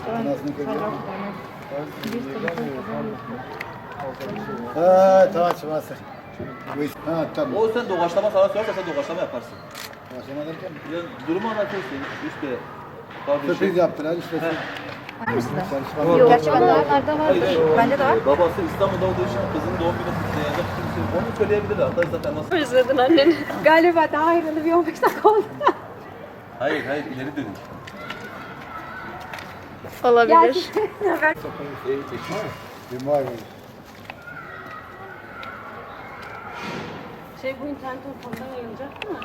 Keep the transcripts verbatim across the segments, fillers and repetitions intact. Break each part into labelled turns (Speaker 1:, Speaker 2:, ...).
Speaker 1: Anasını kırıyor.
Speaker 2: Ha tamam çıkmasın. Ha tamam.
Speaker 3: O sen doğaçlama sana sorarsa sen doğaçlama yaparsın.
Speaker 2: Başlama derken
Speaker 3: Ya, durumu anlatıyorsun işte. Kardeşim.
Speaker 2: sürpriz yaptılar işte.
Speaker 4: Var mı sizde?
Speaker 2: Çalışma.
Speaker 4: Yok. Gerçi bende vardı.
Speaker 3: Hayır, hayır.
Speaker 4: Bende de var.
Speaker 3: Ee, Babası İstanbul'da olduğu için kızının doğum günü kutlayacak. Kimse onu söyleyebilir. Hatta zaten nasıl?
Speaker 4: Özledin annen. Galiba daha ayrılı bir on beş dakika oldu.
Speaker 3: Hayır hayır ileri dönük.
Speaker 4: Olabilir.
Speaker 2: Bir var.
Speaker 4: Şey bu internet ortamından yayılacak değil mi?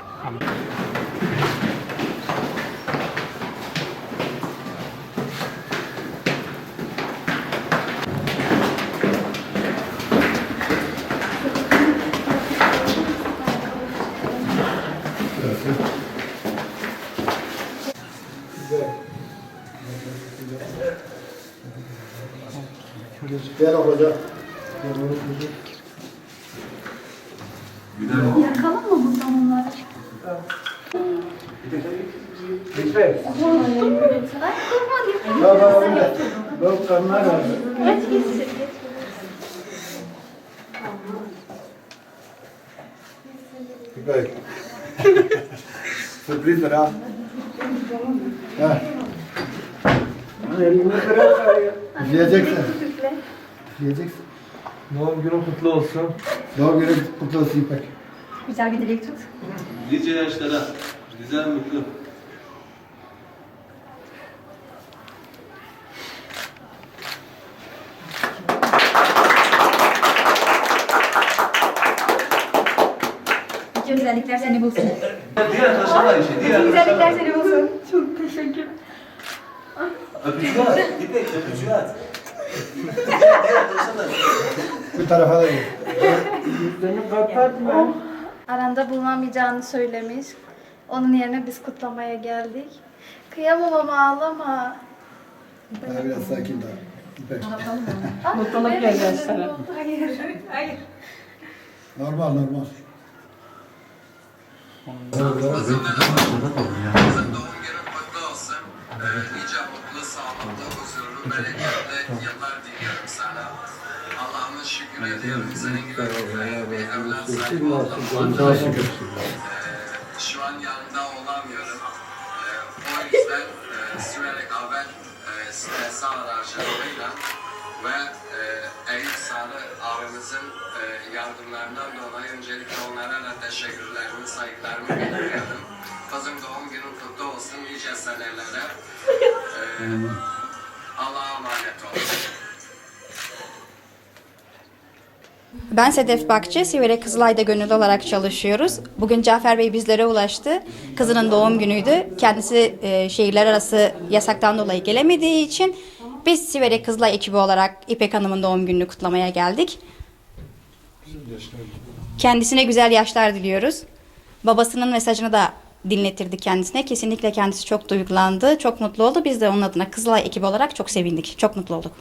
Speaker 2: Gel hoca.
Speaker 4: Yakalım mı bu zamanlar?
Speaker 2: Lütfen. Baba öyle. Bak kanlar var.
Speaker 4: Geç geç.
Speaker 2: Güzel. Sürprizdir ha. Ha. Elini bırak ya. Yiyeceksin. Yiyeceksin.
Speaker 5: Doğum günün kutlu olsun.
Speaker 2: Doğum günü kutlu olsun İpek.
Speaker 4: Güzel bir dilek tut.
Speaker 3: Nice yaşlara. Güzel mutlu.
Speaker 4: Bütün güzellikler seni bulsun.
Speaker 3: Diğer arkadaşlar da işe. Diğer
Speaker 4: Bütün güzellikler
Speaker 3: arkadaşlar
Speaker 4: seni bulsun. Çok teşekkür.
Speaker 3: Öpücüğü at. İpek öpücüğü at. Diğer arkadaşlar da
Speaker 2: Bu tarafa da gel.
Speaker 5: Yüzlerini kapatma.
Speaker 6: Aranda bulunamayacağını söylemiş. Onun yerine biz kutlamaya geldik. Kıyamam ama ağlama.
Speaker 2: Daha biraz sakin daha. İpek.
Speaker 4: Mutluluk geleceğiz sana.
Speaker 6: Hayır. Hayır.
Speaker 2: Normal normal.
Speaker 7: Kızın doğum günün kutlu olsun. Ee, nice mutlu, sağlıklı, huzurlu, bereketli yıllar diliyorum sana. Allah'ıma şükür ediyorum. Senin gibi bir evlat sahibi olduğum için. Ee, şu an yanında olamıyorum. Ee, o yüzden e, sürekli haber e, stresi aracılığıyla ve e, Eyüp Sarı abimizin e, yardımlarından dolayı öncelikle onlara da teşekkürlerimi, saygılarımı bildiriyorum. Kızım doğum günün kutlu olsun, nice senelere. E, Allah'a emanet olun.
Speaker 8: Ben Sedef Bakçı, Siverek Kızılay'da gönüllü olarak çalışıyoruz. Bugün Cafer Bey bizlere ulaştı. Kızının doğum günüydü. Kendisi e, şehirler arası yasaktan dolayı gelemediği için biz Siverek Kızılay ekibi olarak İpek Hanım'ın doğum gününü kutlamaya geldik. Kendisine güzel yaşlar diliyoruz. Babasının mesajını da dinletirdik kendisine. Kesinlikle kendisi çok duygulandı, çok mutlu oldu. Biz de onun adına Kızılay ekibi olarak çok sevindik, çok mutlu olduk.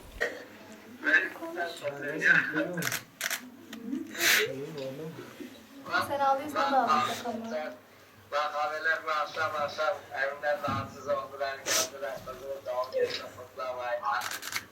Speaker 6: Sen ağlıyorsan da ağlayacak ama.
Speaker 7: Bak abiler bu akşam akşam evimden rahatsız oldular, gördüler kızımın doğum gününü kutlamayı.